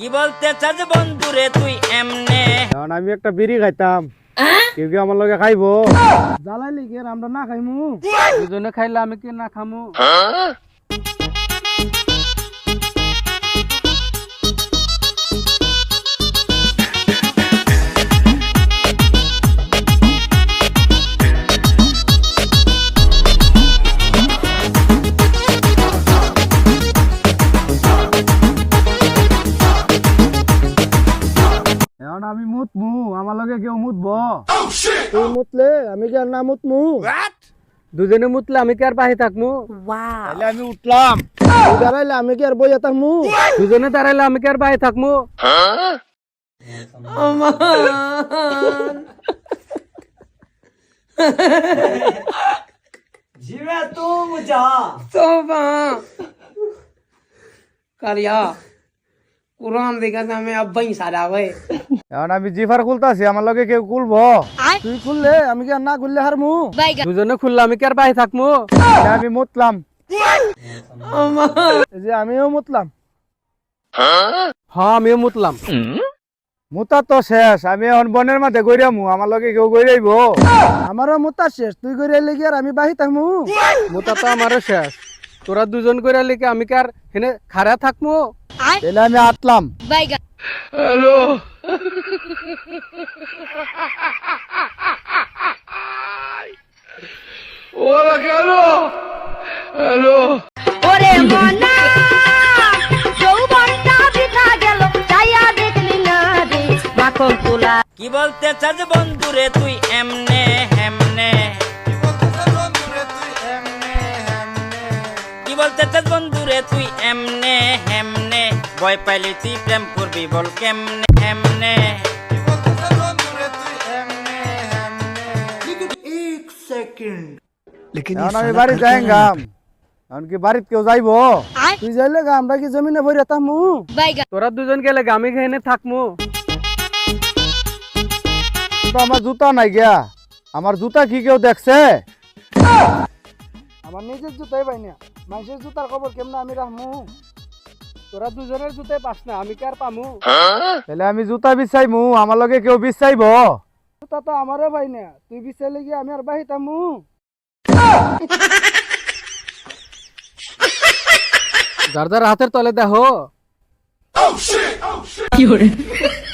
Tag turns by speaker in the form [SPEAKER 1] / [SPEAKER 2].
[SPEAKER 1] কি বলতে চাস বন্ধুরে তুই এমনে?
[SPEAKER 2] কারণ আমি একটা বিড়ি খাইতাম, কেউ কি আমার লগে খাইবো? জ্বালাইলি কি আর আমরা না খাইমু? দুজনে খাইলে আমি কি না খামু? এখন আমি মুতমু, আমার লগে কেউ মুতবো? তুই মুতলে আমি কি আর না মুতমু? দুজনে মুতলে আমি কি আর বাহি থাকমু? তাহলে আমি উঠলাম, তুই দাঁড়াইলে আমি কি আর বইয়া থাকমু? দুজনে দাঁড়াইলে আমি কি আর বাহি থাকমু?
[SPEAKER 1] জিবে তুম যা
[SPEAKER 3] तोबा करिया कुरान देखा था मैं अब ही सारा भाई
[SPEAKER 2] এখন আমি জিফার খুলতাছি, আমার লগে কেউ খুলবো? তুই খুললে আমি কি আর না খুললে হারমু? দুজনে খুললে আমি কি আর বাহি থাকমু? তাহলে আমি মুতলাম, এই যে আমিও মুতলাম। হ্যাঁ আমিও মুতলাম। মুতা তো শেষ, আমি এখন বনের মাঝে গইরামু, আমার লগে কেউ গইরাইব? আমারও মুতা শেষ, তুই গইরাইলে কি আর আমি বাহি থাকমু? মুতা তো আমারও শেষ, তোরা দুজন গইরাইলে কি আমি কি আর হেনে খাড়া থাকমু? তাহলে আমি আটলাম। হ্যালো ওরা কেন? হ্যালো
[SPEAKER 4] ওরে মনা যৌবনটা বৃথা গেল যাইয়া দেখলি না রে মাখন তোলা।
[SPEAKER 1] কি বলতে চাস বন্ধুরে তুই এমনে হেমনে? কি বলতে চাস বন্ধুরে তুই এমনে হেমনে? ভয় পাইলি তুই প্রেম করবি বল কেমনে হেমনে?
[SPEAKER 2] এখন আমি বাড়ি যাই গাম, এখন কি বাড়িতে কেউ যাইবো? তুই যাইলে গা আমরা কি জমিনে ভরে থাকমু? তোরা দুজন গেলে আমি এখানে থাকমু। তো আমার জুতা নাই গিয়া, আমার জুতা কি কেউ দেখছে? আমার নিজের জুতাই পাই না, মানুষের জুতার খবর কেমনে আমি রাখমু? তোরা দুজনের জুতাই পাস না, আমি কি আর পামু? তাহলে আমি জুতা বিছাইমু, আমার লগে কেউ বিছাইব? জুতা তো আমারও পাই না, তুই বিছাইলে কি আমি আর বাহিতামু? যার যার হাতের তলে দেখো।